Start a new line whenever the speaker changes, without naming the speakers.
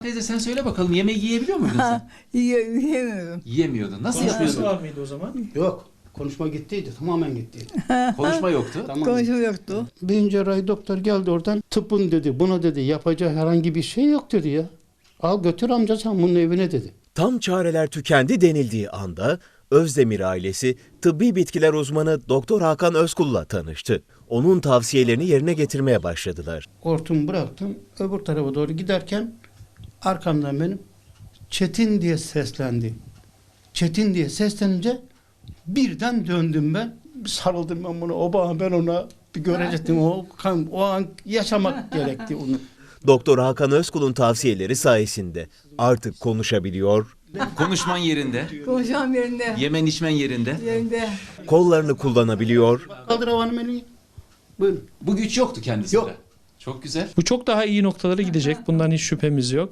Teyze sen söyle bakalım, yemeği yiyebiliyor muydun sen?
Yiyemiyorum.
Yiyemiyordun. Nasıl
Konuşması
yapıyordun?
var mıydı o zaman?
Yok. Konuşma gittiydi. Tamamen gittiydi.
Konuşma yoktu.
Tamam.
Konuşma yoktu.
Birinci cerrahi doktor geldi oradan. Tıbbın dedi. Buna dedi yapacağı herhangi bir şey yok dedi ya. Al götür amca sen bunun evine dedi.
Tam çareler tükendi denildiği anda Özdemir ailesi tıbbi bitkiler uzmanı Doktor Hakan Özkul'la tanıştı. Onun tavsiyelerini yerine getirmeye başladılar.
Hortumu bıraktım. Öbür tarafa doğru giderken arkamdan benim Çetin diye seslendi. Çetin diye seslenince birden döndüm ben. Bir sarıldım ben buna. O bana, ben ona bir görecektim. O an yaşamak gerekti onu.
Doktor Hakan Özkul'un tavsiyeleri sayesinde artık konuşabiliyor,
Konuşman yerinde,
Konuşmam yerinde.
yemen içmen yerinde.
Yerinde.
kollarını kullanabiliyor,
Kaldır havanı Melih. Buyurun.
Bu güç yoktu kendisinde.
Yok.
Çok güzel.
Bu çok daha iyi noktalara gidecek. Bundan hiç şüphemiz yok.